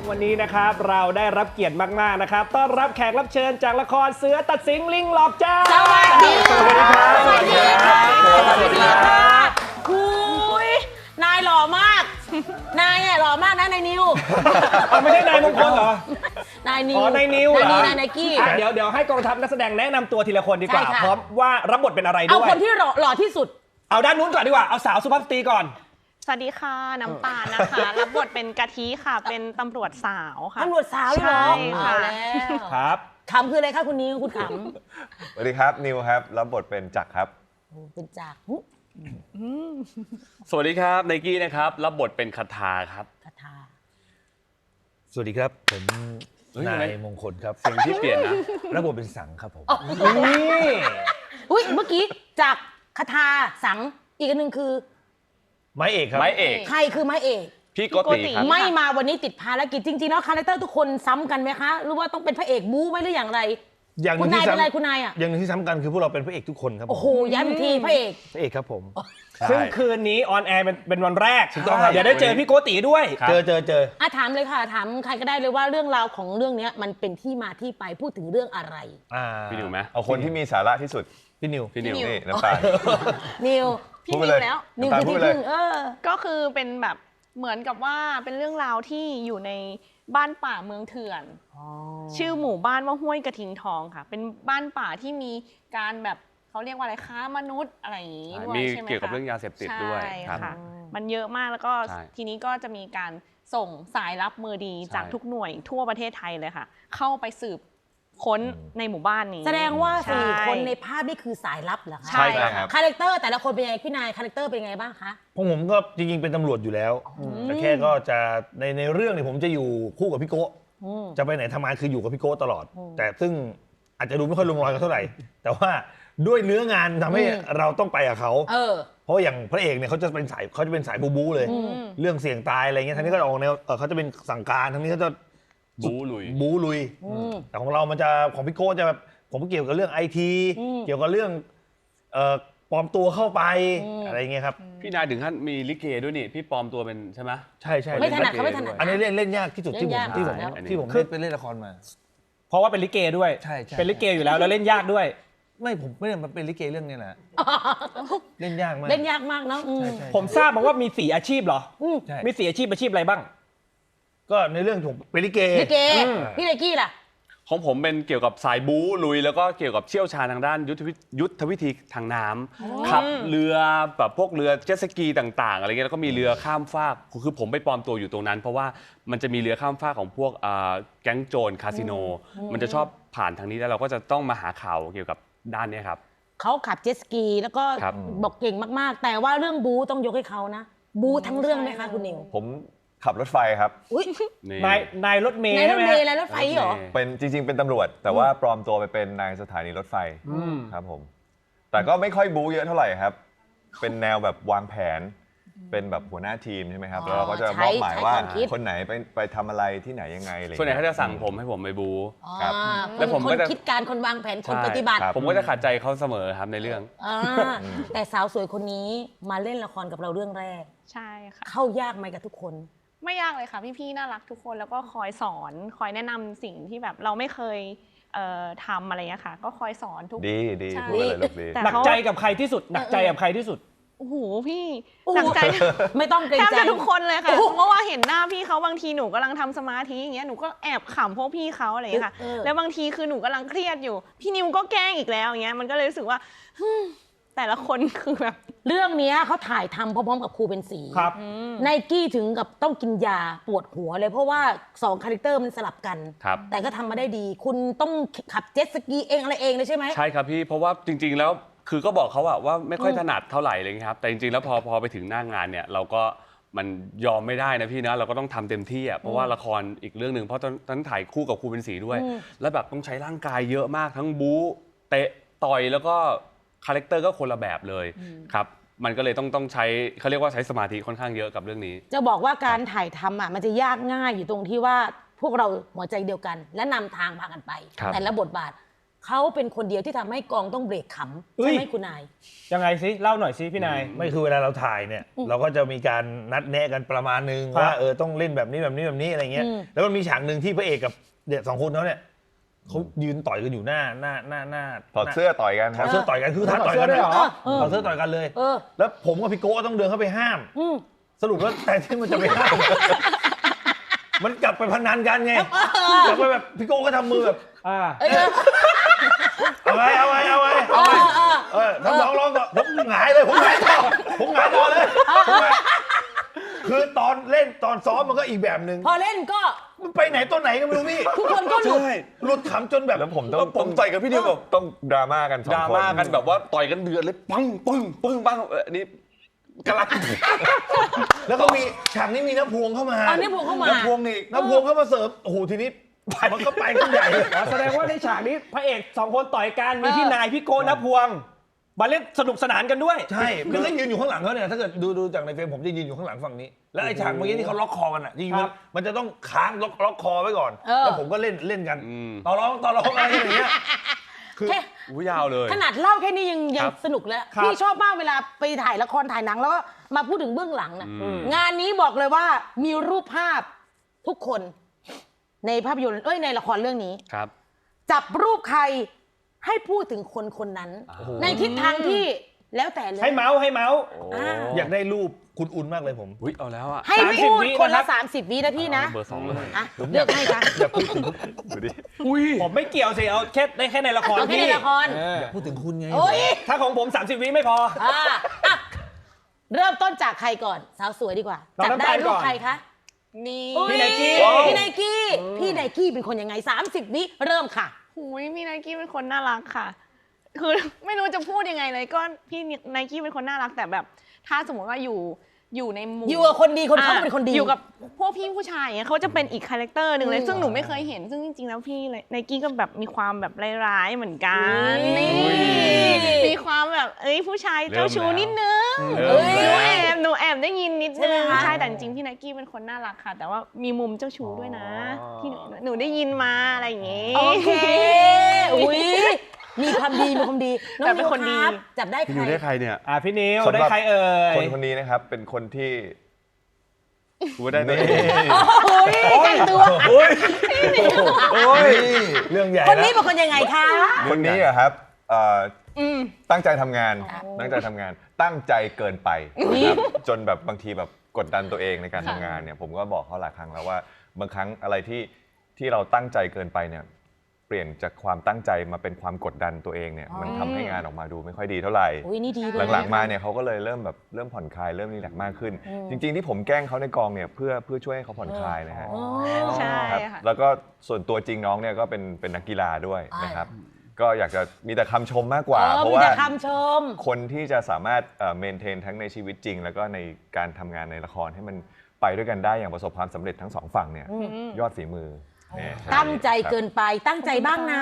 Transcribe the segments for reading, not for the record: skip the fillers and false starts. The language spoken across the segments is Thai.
วันนี้นะครับเราได้รับเกียรติมากๆนะครับต้อนรับแขกรับเชิญจากละครเสือตัดสิงลิงหลอกจ้าสวัสดีครับสวัสดีครับสวัสดีครับหุยนายหล่อมากนายเนี่ยหล่อมากนะนายนิวไม่ใช่นายมงคลเหรอนายนิวอ๋อนายนิวเหรอนายกี้เดี๋ยวให้กองทัพนักแสดงแนะนำตัวทีละคนดีกว่าใช่ค่ะพร้อมว่ารับบทเป็นอะไรด้วยเอาคนที่หล่อที่สุดเอาด้านนู้นก่อนดีกว่าเอาสาวสุภาพสตรีก่อนสวัสดีค่ะน้ำตาลนะคะรับบทเป็นกะทิค่ะเป็นตำรวจสาวค่ะตำรวจสาวเหรอใช่ค่ะเอาแล้วครับขำคืออะไรคะคุณนิวคุณขสวัสดีครับนิวครับรับบทเป็นจักรครับำเป็นจากสวัสดีครับไนกี้นะครับรับบทเป็นคาถาครับคาถาสวัสดีครับผมเฮ้ยนาทำไมยมงคลครับเสียงที่เปลี่ยนนะระบบเป็นสังครับผมนี่อุ้ยเมื่อกี้จากคาถาสังอีกอันหนึ่งคือไม้เอกครับไม้เอกใครคือไม้เอกพี่โกติครับไม่มาวันนี้ติดภารกิจจริงๆแล้วคาแรคเตอร์ทุกคนซ้ำกันไหมคะหรือว่าต้องเป็นพระเอกบู๊ไหมหรืออย่างไรอย่างหคุนึ่ณงนายที่เป็นอะไรซ้ำคุณนายอ่ะอย่างหนึ่งที่ซ้ำกันคือพวกเราเป็นพระเอกทุกคนครับผมโอ้โหย้ำอีกทีพระเอกพระเอกครับผมซึ่งใช่คืนนี้ออนแอร์เป็นวันแรกถูกต้องครับเดี๋ยวได้เจอพี่โกติด้วยครับเจออ่ะถามเลยค่ะถามใครก็ได้เลยว่าเรื่องราวของเรื่องนี้มันเป็นที่มาที่ไปพูดถึงเรื่องอะไรพี่นิวไหมเอาคนที่มีสาระที่สุดพี่นิวพี่นิวนี่น้ำตาลนิวพี่พูดไปนิเลวย แล้วนิวน้ำตาลคือพูดที่ไปเลยพึ่งก็คือเป็นแบบเหมือนกับว่าเป็นเรื่องราวที่อยู่ในบ้านป่าเมืองเถื่อน ชื่อหมู่บ้านว่าห้วยกระทิงทองค่ะ เป็นบ้านป่าที่มีการแบบเขาเรียกว่าอะไรค้ามนุษย์อะไรอย่างนี้ด้วยมีใช่ไหมคะเกี่ยวกับเรื่องยาเสพติดด้วยใช่ครับค่ะมันเยอะมากแล้วก็ใช่ทีนี้ก็จะมีการส่งสายลับมือดีใช่จากทุกหน่วยทั่วประเทศไทยเลยค่ะ เข้าไปสืบค้นในหมู่บ้านนี้แสดงว่าใช่ 4 คนในภาพนี่คือสายลับเหรอคะใช่ครับคาแรคเตอร์แต่ละคนเป็นยังไงพี่นายคาแรคเตอร์เป็นยังไงบ้างคะพวกผมก็จริงๆเป็นตำรวจอยู่แล้ว แต่แค่ก็จะในเรื่องเนี่ยผมจะอยู่คู่กับพี่โก้จะไปไหนทำงานคืออยู่กับพี่โก้ตลอด แต่ซึ่งอาจจะดูไม่ค่อยลงรอยกันเท่าไหร่ แต่ว่าด้วยเนื้องานทำให้เราต้องไปกับเขา เพราะอย่างพระเอกเนี่ยเขาจะเป็นสายบู๊เลย เรื่องเสี่ยงตายอะไรเงี้ยทางนี้ก็ออกแนวเขาจะเป็นสั่งการทางนี้เขาจะบู๊ลุยบู๊ลุยแต่ของเรามันจะของพี่โก้จะแบบผมเกี่ยวกับเรื่องไอทีเกี่ยวกับเรื่องปลอมตัวเข้าไปอะไรเงี้ยครับพี่นายถึงขั้นมีลิเกด้วยนี่พี่ปลอมตัวเป็นใช่ไหมใช่ไม่ถนัดเขาไม่ถนัดอันนี้เล่นยากที่สุดที่ผมเล่นยากที่ผมแล้วที่ผมคือไปเล่นละครมาเพราะว่าเป็นลิเกด้วยใช่เป็นลิเกอยู่แล้วแล้วเล่นยากด้วยไม่ผมไม่ได้มาเป็นลิเกเรื่องนี้แหละเล่นยากมากเล่นยากมากเนาะใช่ผมทราบมาว่ามี4อาชีพเหรอใช่มี4อาชีพอะไรบ้างก็ในเรื่องผมเป็นลิเกลิเกพี่ไนกี้ล่ะของผมเป็นเกี่ยวกับสายบู๊ลุยแล้วก็เกี่ยวกับเชี่ยวชาญทางด้านยุทธวิธีทางน้ำขับเรือแบบพวกเรือเจ็ตสกีต่างๆอะไรเงี้ยแล้วก็มีเรือข้ามฟากคือผมไปปลอมตัวอยู่ตรงนั้น เพราะว่ามันจะมีเรือข้ามฟากของพวกแก๊งโจรคาสิโนมันจะชอบผ่านทางนี้แล้วเราก็จะต้องมาหาข่าวเกี่ยวกับด้านนี้ครับเขาขับเจ็ตสกีแล้วก็ครับบอกเก่งมากๆ แต่ว่าเรื่องบูต้องยกให้เขานะ บูทั้งเรื่องไหมคะคุณนิวผมขับรถไฟครับอุ้ยนี่นายรถเมย์ในรใช่ถไหมเมฮะล์และรถไฟเหรอเป็นจริง ๆ เป็นตำรวจ แต่ว่าปลอมตัวไปเป็นนายสถานีรถไฟครับผมแต่ก็ไม่ค่อยบู๊เยอะเท่าไหร่ครับ เป็นแนวแบบวางแผน เป็นแบบหัวหน้าทีมใช่ไหมครับแล้วเราก็จะมอบหมายว่าใช้ความคิดคนไหนไปทำอะไรที่ไหนยังไงอะไรส่วนใหญ่เขาจะสั่งผมให้ผมไปบู๊ครับแล้วผมคก็นจะคิดการคนวางแผนคนใช่ปฏิบัติครับผมก็จะขัดใจเขาเสมอครับในเรื่องอ่าแต่สาวสวยคนนี้มาเล่นละครกับเราเรื่องแรกใช่ค่ะเข้ายากไหมกับทุกคนไม่ยากเลยค่ะพี่ๆน่ารักทุกคนแล้วก็คอยสอนคอยแนะนำสิ่งที่แบบเราไม่เคยทำอะไรเงี้ยค่ะ ก็คอยสอนทุกดีใช่พูดไปเลยลูกดีแต่หนักใจกับใครที่สุด หนักใจกับใครที่สุดโอ้โหพี่โอ้โหหนักใจไม่ต้องเกรงแทบใจจะทุกคนเลยค่ะโอ้โหเพราะว่าเห็นหน้าพี่เขาบางทีหนูกำลังทำสมาธิอย่างเงี้ยหนูก็แอบขำพวกพี่เขาอะไรอย่างเงี้ยค่ะ แล้วบางทีคือหนูกำลังเครียดอยู่ พี่นิวก็แกล้งอีกแล้วอย่างเงี้ยมันก็เลยรู้สึกว่าแต่ละคนคือแบบเรื่องเนี้ยเขาถ่ายทำพร้อมๆกับครูเป็นสีครับไนกี้ถึงกับต้องกินยาปวดหัวเลยเพราะว่า2คาแรคเตอร์มันสลับกันครับแต่ก็ทำมาได้ดี คุณต้องขับเจ็ตสกีเองอะไรเองเลยใช่ไหมใช่ครับพี่เพราะว่าจริงๆแล้วคือก็บอกเขาว่าไม่ค่อยถนัดเท่าไหร่เลยครับแต่จริงๆแล้วพอไปถึงหน้างานเนี่ยเราก็มันยอมไม่ได้นะพี่นะเราก็ต้องทำเต็มที่อ่ะเพราะว่าละครอีกเรื่องหนึ่งเพราะตอนนั้นถ่ายคู่กับครูเป็นศรีด้วย แล้วแบบต้องใช้ร่างกายเยอะมากทั้งบู๊เตะต่อยแล้วก็คาแรคเตอร์ก็คนละแบบเลยครับมันก็เลยต้องใช้เขาเรียกว่าใช้สมาธิค่อนข้างเยอะกับเรื่องนี้จะบอกว่าการถ่ายทำอ่ะมันจะยากง่ายอยู่ตรงที่ว่าพวกเราหัวใจเดียวกัน และนำทางพากันไปครับแต่ละบทบาทเขาเป็นคนเดียวที่ทำให้กองต้องเบรกขำเฮ้ใช่ยไหมคุณนายยังไงสิเล่าหน่อยสิพี่นายไม่คือเวลาเราถ่ายเนี่ยเราก็จะมีการนัดแนะกันประมาณนึงครับว่าต้องเล่นแบบนี้แบบนี้แบบนี้อะไรเงี้ย แล้วมันมีฉากหนึ่งที่พระเอกกับเด็กสองคนเขาเนี่ยเขายืนต่อยกันอยู่หน้าถอดเสื้อต่อยกันคถรัอบ ดเสื้อต่อยกันคือท้าต่อยกันถอดเสื้อด้วยเหรอถอดเสื้อต่อยกันเลยเออแล้วผมกับพี่โก้ต้องเดินเข้าไปห้ามอืมสรุปแล้วแต่ที่มันจะไปห้าม มันกลับไปพนันกันไงกลับไปแบบพี่โก้ก็ทำมือแบบอ่าเอาไว้ทำลองต่อผมหงายเลยผมหงายต่อเลยผมหงายคือตอนเล่นตอนซ้อมมันก็อีกแบบหนึ่งพอเล่นก็มันไปไหนต้นไหนก็ไม่รู้พี่ทุกคนก็หลุดหลุดขำจนแบบแล้วผมต้องผมต่อยกับพี่นิวแบบต้องดราม่ากันสองดราคนม่ากันแบบว่าต่อยกันเดือดเลยปังปึ้งปึ้งปังอันนี้กำลังแล้วก็มีฉากนี้มีน้ำพวงเข้ามาเอาน้ำพวงเข้ามาน้ำพวงเข้ามาเสิร์ฟโอ้โหทีนี้มันก็ไปกันใหญ่อ๋อแสดงว่าในฉากนี้พระเอกสองคนต่อยกันมีพี่นายพี่โกนพวงมาเล่นสนุกสนานกันด้วยใช่คือก็ยืนอยู่ข้างหลังเขาเนี่ยถ้าเกิดดูจากในเฟรมผมจะยืนอยู่ข้างหลังฝั่งนี้ แล้วไอ้ฉากเมื่อกี้ที่เขาล็อกคอกันอ่ะจริงๆมันจะต้องค้างล็อกคอไว้ก่อน แล้วผมก็เล่นกันต่อร้องอะไรอย่างเงี้ยคือแค่อู้ยาวเลยขนาดเล่าแค่นี้ยังครับสนุกแล้วครับพี่ชอบมากเวลาไปถ่ายละครถ่ายหนังแล้วก็มาพูดถึงเบื้องหลังนะงานนี้บอกเลยว่ามีรูปภาพทุกคนในภาพยนตร์ในละครเรื่องนี้ครับจับรูปใครให้พูดถึงคนคนนั้น ในทิศทางที่แล้วแต่เลยให้เมาส์อยากได้รูปคุณอุ่นมากเลยผมอุ้ยเอาแล้วอ่ะให้พูด 30 วิคนละนะครับ 30 วินะพี่นะเบอร์ 2 เลยอ่ะเลือกให้ค่ะอยากพูดถึงดูดิอุ้ยผมไม่เกี่ยวสิเอาแค่ในละครเอาแค่พี่ในละครเออพูดถึงคุณไงโอ้ยถ้าของผม 30 วิไม่พออ่ะเริ่มต้นจากใครก่อนสาวสวยดีกว่าน้องจับน้ำได้ตาลรูก่ปอนใครคะนี่พี่ไนกี้พี่ไนกี้พี่ไนกี้เป็นคนยังไง30 วิเริ่มค่ะหุยพี่ไนกี้เป็นคนน่ารักค่ะ คือ ไม่รู้จะพูดยังไงเลยก็พี่ไนกี้เป็นคนน่ารักแต่แบบ ถ้าสมมติว่าอยู่ในหมู่อยู่กับคนดีคนเขาเป็นคนดีอยู่กับพวกพี่ผู้ชายอย่างเงี้ยเขาจะเป็นอีกคาแรคเตอร์หนึ่งเลยซึ่งหนูไม่เคยเห็น ซึ่งจริงๆแล้วพี่ไนกี้ก็แบบมีความแบบร้ายๆเหมือนกันนี่นี่มีความแบบผู้ชายเจ้าชู้นิดนึงเริ่มหนูแล้วแอบได้ยินนิดใช่นึไหมงคะใช่แต่จริงๆพี่ไนกี้เป็นคนน่ารักค่ะ แต่ว่ามีมุมเจ้าชู้ด้วยนะที่หนูได้ยินมาอะไรอย่างงี้โอเคอุ้ยมีความดีน้องแต่เป็นคนดีรับจับได้พี่ใคนิรวได้ใครเนี่ยพี่นิวสำหรับได้ใครเอ่ยคนนี้นะครับเป็นคนที่กูได้ตัวเองโอ้ยแต่งตัวโอ้ยเรื่องใหญ่คนแล้วนี้เป็นคนยังไงคะคนนี้อะครับตั้งใจทำงานตั้งใจเกินไปนะครับจนแบบบางทีแบบกดดันตัวเองในการทำงานเนี่ยผมก็บอกเขาหลายครั้งแล้วว่าบางครั้งอะไรที่เราตั้งใจเกินไปเนี่ยเปลี่ยนจากความตั้งใจมาเป็นความกดดันตัวเองเนี่ยมันทำให้งานออกมาดูไม่ค่อยดีเท่าไหร่อุ้ยนี่ดีเลยหลังๆมาเนี่ยเขาก็เลยเริ่มผ่อนคลายเริ่มรีแลกซ์มากขึ้น จริงๆที่ผมแกล้งเขาในกองเนี่ยเพื่อช่วยให้เขาผ่อนคลายนะฮะใช่ครับค่ะแล้วก็ส่วนตัวจริงน้องเนี่ยก็เป็นนักกีฬาด้วยนะครับก็อยากจะมีแต่คำชมมากกว่า เพราะมีว่าแต่คำชมคนที่จะสามารถเมนเทนทั้งในชีวิตจริง แล้วก็ในการทำงานในละครให้มันไปด้วยกันได้อย่างประสบความสำเร็จทั้งสองฝั่งเนี่ยยอดฝีมือเนี่ยตั้งใจเกินไปตั้งใจบ้างนะ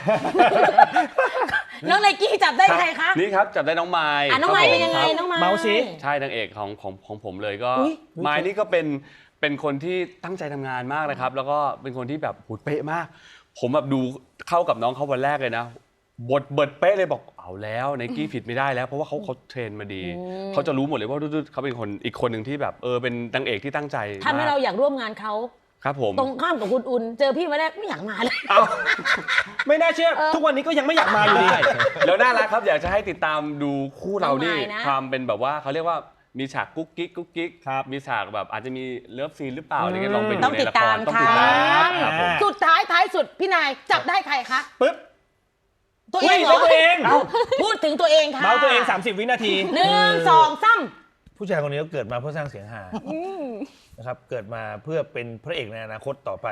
น้องไนกี้จับได้ใครคะนี่ครับจับได้น้องไม้น้องไม้ครับเป็นยังไงครับน้องไม้เมาส์สิใช่นางเอกของผมเลยก็อุ๊ยไม้นี่ก็เป็นคนที่ตั้งใจทำงานมากนะครับ แล้วก็เป็นคนที่แบบหูเป๊ะมาก ผมแบบดูเข้ากับน้องเขาวันแรกเลยนะบทเบิดเป๊ะเลยบอกเอาแล้วไนกี้ผิดไม่ได้แล้วเพราะว่าเขาเทรนมาดีเขาจะรู้หมดเลยว่าเขาเป็นคนอีกคนหนึ่งที่แบบเป็นนางเอกที่ตั้งใจทำให้มากเราอยากร่วมงานเขาครับผมตรงข้ามกับคุณอุ่นเจอพี่มาแรกไม่อยากมาเลยไม่น่าเชื่อ ทุกวันนี้ก็ยังไม่อยากมาอยู่ดีใช่แล้วน่ารักครับอยากจะให้ติดตามดูคู่เรานี่น้องไม้นะความเป็นแบบว่าเขาเรียกว่ามีฉากกุ๊กกิ๊กครับมีฉากแบบอาจจะมีเลิฟซีนหรือเปล่าอะไรเงี้ยลองไปดูต้องในติดละคตาร มต้องค่ะติดตามครับผมสุดท้ายสุดพี่นายจับได้ใครคะปึ๊บตัวเองเหรอตัวเองพูดถึงตัวเองค่ะเมาส์ตัวเอง 30 วินาที 1 2 3 ผู้ชายคนนี้ก็เกิดมาเพื่อสร้างเสียงฮานะครับเกิดมาเพื่อเป็นพระเอกในอนาคตต่อไป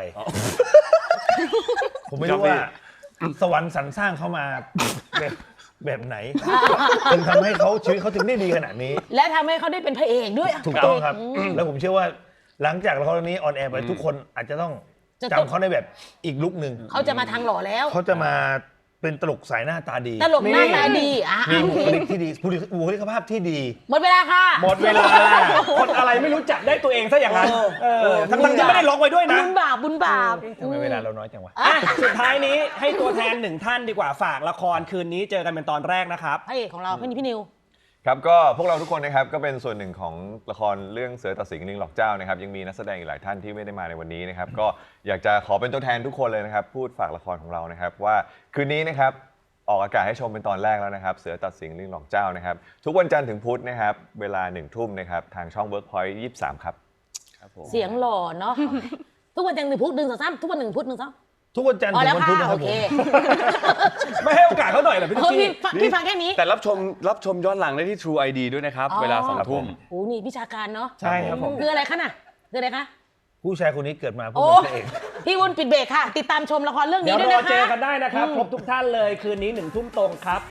ผมไม่รู้ว่าสวรรค์สรรสร้างเขามาแบบไหนถึงทำให้เขาชีวิตเขาถึงได้ดีขนาดนี้และทำให้เขาได้เป็นพระเอกด้วยถูกต้องครับ แล้วผมเชื่อว่าหลังจากละครเรื่องนี้ออนแอร์ไปทุกคนอาจจะต้องจำเขาในแบบอีกลุคหนึ่งเขาจะมาทางหล่อแล้วเขาจะมาเป็นตลกสายหน้าตาดีตลกหน้าตาดีมีบุคลิกที่ดีบุคลิกภาพที่ดีหมดเวลาค่ะหมดเวลา คนอะไรไม่รู้จักได้ตัวเองซะอย่างนั้นทั้งๆที่ไม่ได้ล็อกไว้ด้วยนะบุญบาปบุญบาปทำไมเวลาเราน้อยจังวะอ่ะสุดท้ายนี้ให้ตัวแทนหนึ่งท่านดีกว่าฝากละครคืนนี้เจอกันเป็นตอนแรกนะครับพระเอกของเราพี่นิวครับก็พวกเราทุกคนนะครับก็เป็นส่วนหนึ่งของละครเรื่องเสือตัดสิงลิงหลอกเจ้านะครับยังมีนักแสดงอีกหลายท่านที่ไม่ได้มาในวันนี้นะครับก็อยากจะขอเป็นตัวแทนทุกคนเลยนะครับพูดฝากละครของเรานะครับว่าคืนนี้นะครับออกอากาศให้ชมเป็นตอนแรกแล้วนะครับเสือตัดสิงลิงหลอกเจ้านะครับทุกวันจันทร์ถึงพุธนะครับเวลา 1 ทุ่มนะครับทางช่อง Workpoint 23 ครับเสียงหล่อเนาะทุกวันจันทร์หนึ่งพุธดึง3ทุกวันหนึ่งพุธดึง2 ทุกวันจันทร์อ๋อถึแล้วงวันค่ะพุธนะคโอรับผเคมไม่ให้โอกาสเขาหน่อยเหรอพี่เอตุ๊อกี้พี่ฟังแค่นี้แต่รับชมย้อนหลังได้ที่ True ID ด้วยนะครับอ๋อเวลา2 ทุ่มโอ้นี่วิชาการเนาะใช่ครับผมคืออะไรคะน่ะคืออะไรคะผู้ชายคนนี้เกิดมาเพื่โอ้อเป็นพระเอกพี่วุ้นปิดเบรกค่ะ ติดตามชมละครเรื่องเดี๋นี้ยวด้วยรอนะคะเจอกันได้นะครับครบทุกท่านเลยคืนนี้1 ทุ่มตรงครับ